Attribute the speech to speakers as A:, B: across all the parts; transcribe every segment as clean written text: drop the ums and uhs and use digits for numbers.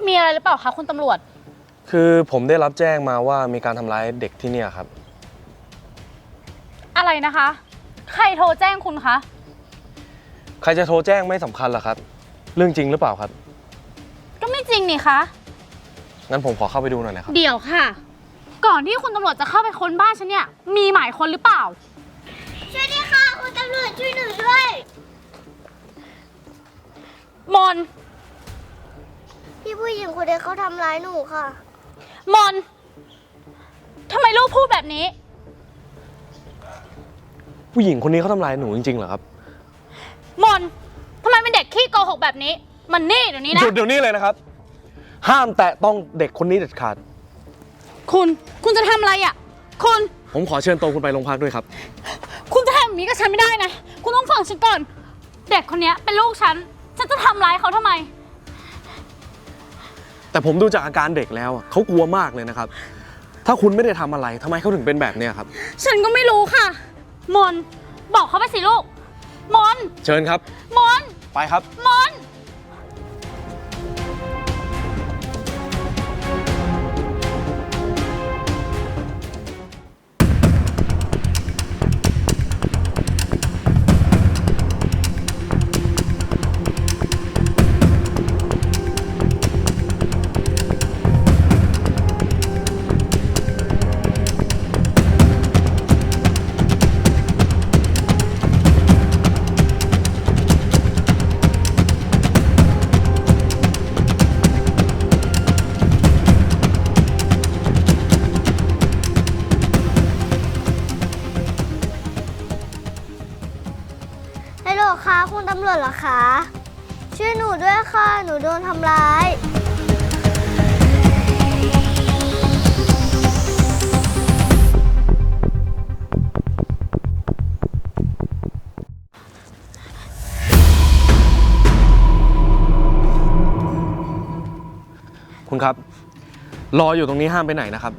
A: มีอะไรหรือเปล่าคะคุณตำรวจ
B: คือผมได้รับแจ้งมาว่ามีการทำร้ายเด็กที่เนี่ยครับ
A: อะไรนะคะใครโทรแจ้งคุณคะ
B: ใครจะโทรแจ้งไม่สำคัญหรอกครับเรื่องจริงหรือเปล่าครับ
A: ก็ไม่จริงนี่คะ
B: งั้นผมขอเข้าไปดูหน่อยนะครับ
A: เดี๋ยวค่ะก่อนที่คุณตำรวจจะเข้าไปค้นบ้านฉันเนี่ยมีหมายค้นหรือเปล่า
C: ช่วยด้วยค่ะคุณตำรวจช่วยหนูด้วย
A: มน
C: พี่ผู้หญิงคนนี้เขาทำร้ายหนูค่ะ
A: มนทำไมลูกพูดแบบนี้
B: ผู้หญิงคนนี้เขาทำร้ายหนูจริงๆเหรอครับ
A: มนทำไมเป็นเด็กขี้โกหกแบบนี้มันนี่เดี๋ยวนี้นะ
B: หยุดเดี๋ยวนี้เลยนะครับห้ามแตะต้องเด็กคนนี้เด็ดขาด
A: คุณจะทำอะไรอ่ะ
B: ผมขอเชิญตัวคุณไปโรงพักด้วยครับ
A: คุณจะทำแบบนี้กับฉันไม่ได้นะคุณต้องฟังฉันก่อนเด็กคนนี้เป็นลูกฉันจะทำร้ายเขาทำไม
B: แต่ผมดูจากอาการเด็กแล้วเขากลัวมากเลยนะครับถ้าคุณไม่ได้ทำอะไรทำไมเขาถึงเป็นแบบนี้ครับ
A: ฉันก็ไม่รู้ค่ะมนบอกเขาไปสิลูกมน
B: เชิญครับ
A: มน
B: ไปครับ
A: มน
C: ฮัลโหลค่ะคุณตำรวจเหรอคะช่วยหนูด้วยค่ะหนูโดนทำร้าย
B: คุณครับรออยู่ตรงนี้ห้ามไปไหนนะครับ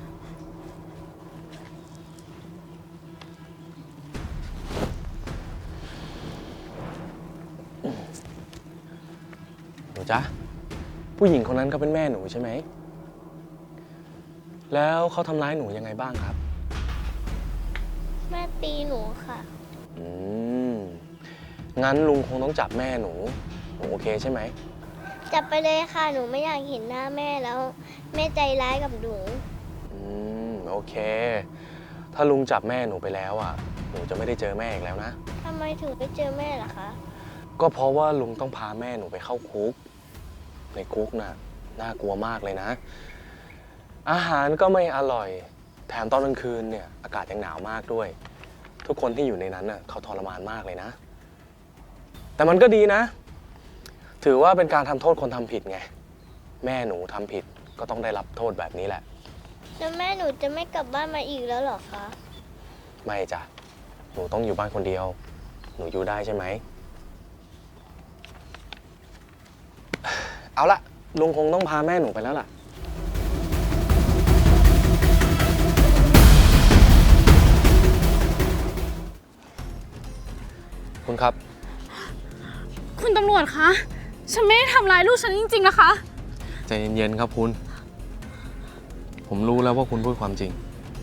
B: หนูจ๊ะผู้หญิงคนนั้นก็เป็นแม่หนูใช่ไหมแล้วเขาทำร้ายหนูยังไงบ้างครับ
C: แม่ตีหนูค่ะ
B: อืมงั้นลุงคงต้องจับแม่หนูโอเคใช่ไหม
C: จับไปเลยค่ะหนูไม่อยากเห็นหน้าแม่แล้วแม่ใจร้ายกับหนู
B: โอเคถ้าลุงจับแม่หนูไปแล้วหนูจะไม่ได้เจอแม่อีกแล้วนะ
C: ทำไมถึงไม่เจอแม่ล่ะคะ
B: ก็เพราะว่าลุงต้องพาแม่หนูไปเข้าคุกในคุกน่ากลัวมากเลยนะอาหารก็ไม่อร่อยแถมตอนกลางคืนเนี่ยอากาศยังหนาวมากด้วยทุกคนที่อยู่ในนั้นเขาทรมานมากเลยนะแต่มันก็ดีนะถือว่าเป็นการทำโทษคนทำผิดไงแม่หนูทำผิดก็ต้องได้รับโทษแบบนี้แหละ
C: แล้วแม่หนูจะไม่กลับบ้านมาอีกแล้วหรอคะ
B: ไม่จ้ะหนูต้องอยู่บ้านคนเดียวหนูอยู่ได้ใช่ไหมเอาละลุงคงต้องพาแม่หนูไปแล้วล่ะคุณครับ
A: คุณตำรวจคะฉันไม่ได้ทำร้ายลูกฉันจริงๆนะคะ
B: ใจเย็นๆครับคุณผมรู้แล้วว่าคุณพูดความจริง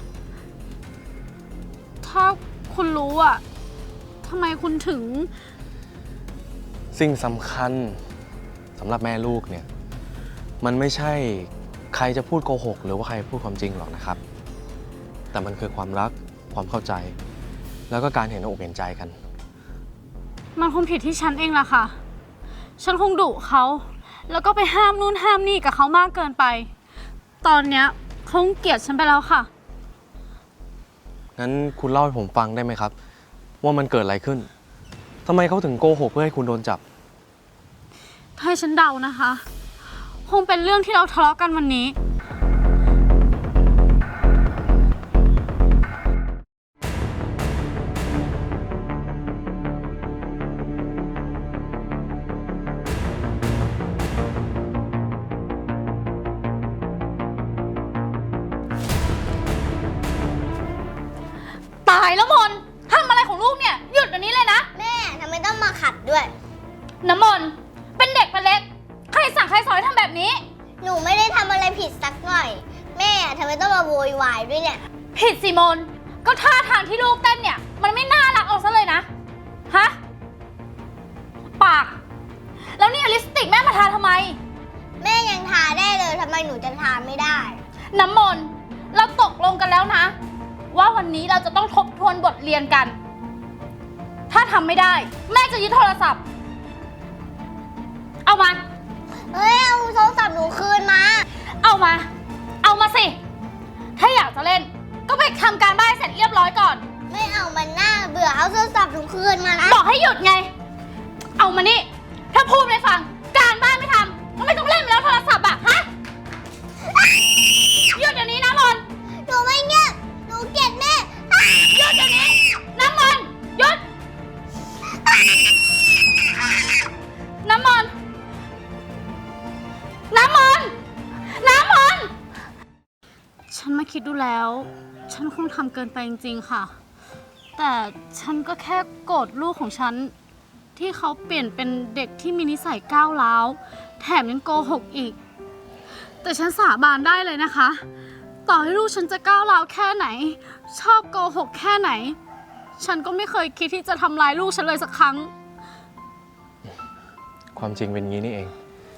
A: ถ้าคุณรู้ทำไมคุณถึง
B: สิ่งสำคัญสำหรับแม่ลูกเนี่ยมันไม่ใช่ใครจะพูดโกหกหรือว่าใครพูดความจริงหรอกนะครับแต่มันคือความรักความเข้าใจแล้วก็การเห็นอกเห็นใจกัน
A: มันคงผิดที่ฉันเองล่ะค่ะฉันคงดุเขาแล้วก็ไปห้ามนู่นห้ามนี่กับเขามากเกินไปตอนเนี้ยเขาเกลียดฉันไปแล้วค่ะ
B: งั้นคุณเล่าให้ผมฟังได้ไหมครับว่ามันเกิดอะไรขึ้นทำไมเขาถึงโกหกเพื่อให้คุณโดนจับ
A: ถ้าให้ฉันเดานะคะคงเป็นเรื่องที่เราทะเลาะกันวันนี้ตายแล้วมนทำอะไรของลูกเนี่ยหยุดเดี๋ยวนี้เลยนะ
C: แม่ทำไมต้องมาขัดด้วย
A: น้ำมนเป็นเด็กเป็นเล็กใครสั่งใครสอนให้ทำแบบนี้
C: หนูไม่ได้ทำอะไรผิดสักหน่อย แม่ทำไมต้องมาโวยวายด้วยเนี่ย
A: ผิดสิมน ก็ท่าทางที่ลูกเต้นเนี่ย มันไม่น่ารักเอาซะเลยนะ ฮะ ปาก แล้วนี่ลิปสติกแม่มาทาทำไม
C: แม่ยังทาได้เลยทำไมหนูจะทาไม่ได้
A: น้ำมนต์เราตกลงกันแล้วนะ ว่าวันนี้เราจะต้องทบทวนบทเรียนกัน ถ้าทำไม่ได้ แม่จะยึดโทรศัพท์ เอามา
C: เฮ้ย เอาโทรศัพท์หนูคืนมา
A: เอามา เอามาสิ ถ้าอยากจะเล่น ก็ไปทำการบ้านให้เสร็จเรียบร้อยก่อน
C: ไม่เอามันน่าเบื่อ เอาโทรศัพท์หนูคืนมานะ
A: บอกให้หยุดไง เอามานี่ ถ้าพูดไม่ฟัง การบ้านไม่ทำก็ไม่ต้องเล่นแล้วโทรศัพท์อะฮะ หยุดเดี๋ยวนี้นะมนต์
C: หนูไม่เงียบหนูเกลียดแม่
A: หยุดเดี๋ยวนี้น้ำมนต์หยุด น้ำมนต์น้ำมนต์น้ำมนต์ฉันมาคิดดูแล้ว ฉันคงทำเกินไปจริงๆค่ะ แต่ฉันก็แค่โกรธลูกของฉัน ที่เขาเปลี่ยนเป็นเด็กที่มีนิสัยก้าวร้าว แถมยังโกหกอีก แต่ฉันสาบานได้เลยนะคะ ต่อให้ลูกฉันจะก้าวร้าวแค่ไหน ชอบโกหกแค่ไหน ฉันก็ไม่เคยคิดที่จะทำร้ายลูกฉันเลยสักครั้ง
B: ความจริงเป็นงี้นี่เอง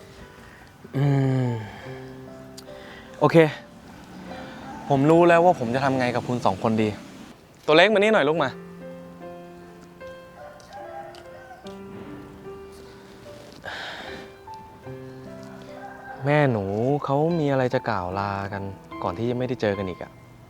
B: โอเค ผมรู้แล้วว่าผมจะทำไงกับคุณสองคนดี ตัวเล็กมานี่หน่อยลูกมา แม่หนูเขามีอะไรจะกล่าวลากันก่อนที่จะไม่ได้เจอกันอีกอะ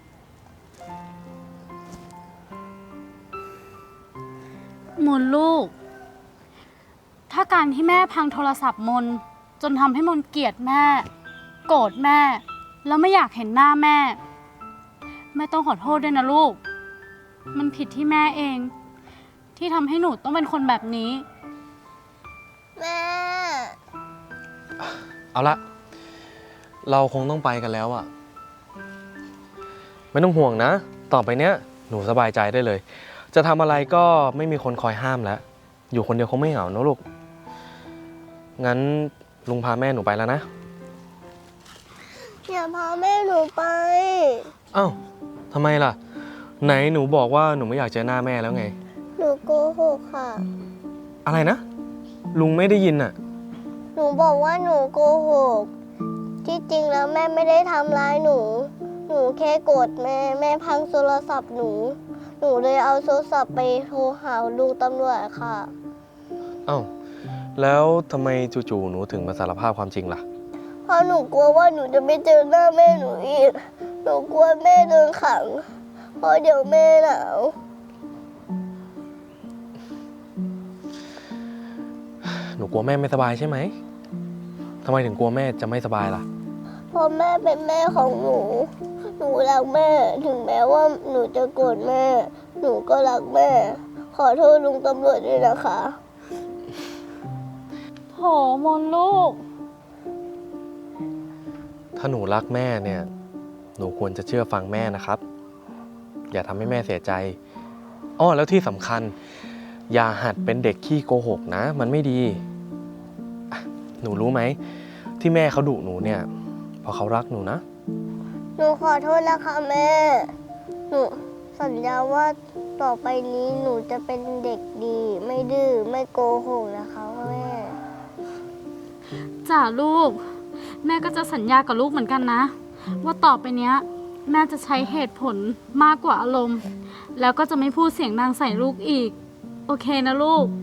A: มนลูก ถ้าการที่แม่พังโทรศัพท์มนจนทำให้มนเกลียดแม่ โกรธแม่ แล้วไม่อยากเห็นหน้าแม่ แม่ต้องขอโทษด้วยนะลูก มันผิดที่แม่เอง ที่ทำให้หนูต้องเป็นคนแบบนี้
C: แม่
B: เอาละ เราคงต้องไปกันแล้วอะไม่ต้องห่วงนะ ต่อไปเนี้ยหนูสบายใจได้เลย จะทำอะไรก็ไม่มีคนคอยห้ามแล้ว อยู่คนเดียวคงไม่เหงานะลูก งั้นลุงพาแม่หนูไปแล้วนะ
C: อย่าพาแม่หนูไป
B: เอ้าทำไมล่ะ ไหนหนูบอกว่าหนูไม่อยากเจอหน้าแม่แล้วไง
C: หนูโกหกค่ะ
B: อะไรนะ ลุงไม่ได้ยินอะ
C: หนูบอกว่าหนูโกหก ที่จริงแล้วแม่ไม่ได้ทำร้ายหนู หนูแค่โกรธแม่ แม่พังโทรศัพท์หนู หนูเลยเอาโทรศัพท์ไปโทรหาลุงตำรวจค่ะ
B: เอ้าแล้วทำไมจู่ๆหนูถึงมาสารภาพความจริงล่ะ
C: เพราะหนูกลัวว่าหนูจะไม่เจอหน้าแม่หนูอีก หนูกลัวแม่โดนขัง เพราะเดี๋ยวแม่หนาว
B: หนูกลัวแม่ไม่สบายใช่ไหมทำไมถึงกลัวแม่จะไม่สบายล่ะ
C: เพราะแม่เป็นแม่ของหนู หนูรักแม่ ถึงแม้ว่าหนูจะโกรธแม่ หนูก็รักแม่ ขอโทษลุงตำรวจด้วยนะคะ
A: โถมนลูก
B: ถ้าหนูรักแม่เนี่ย หนูควรจะเชื่อฟังแม่นะครับ อย่าทำให้แม่เสียใจอ้อแล้วที่สำคัญ อย่าหัดเป็นเด็กขี้โกหกนะ มันไม่ดีอ่ะหนูรู้ไหม ที่แม่เขาดุหนูเนี่ยเพราะเขารักหนูนะ
C: หนูขอโทษนะคะแม่ หนูสัญญาว่าต่อไปนี้หนูจะเป็นเด็กดี ไม่ดื้อ ไม่โกหกนะคะแม่
A: จ้าลูก แม่ก็จะสัญญากับลูกเหมือนกันนะ ว่าต่อไปเนี้ย แม่จะใช้เหตุผลมากกว่าอารมณ์ แล้วก็จะไม่พูดเสียงดังใส่ลูกอีก โอเคนะลูก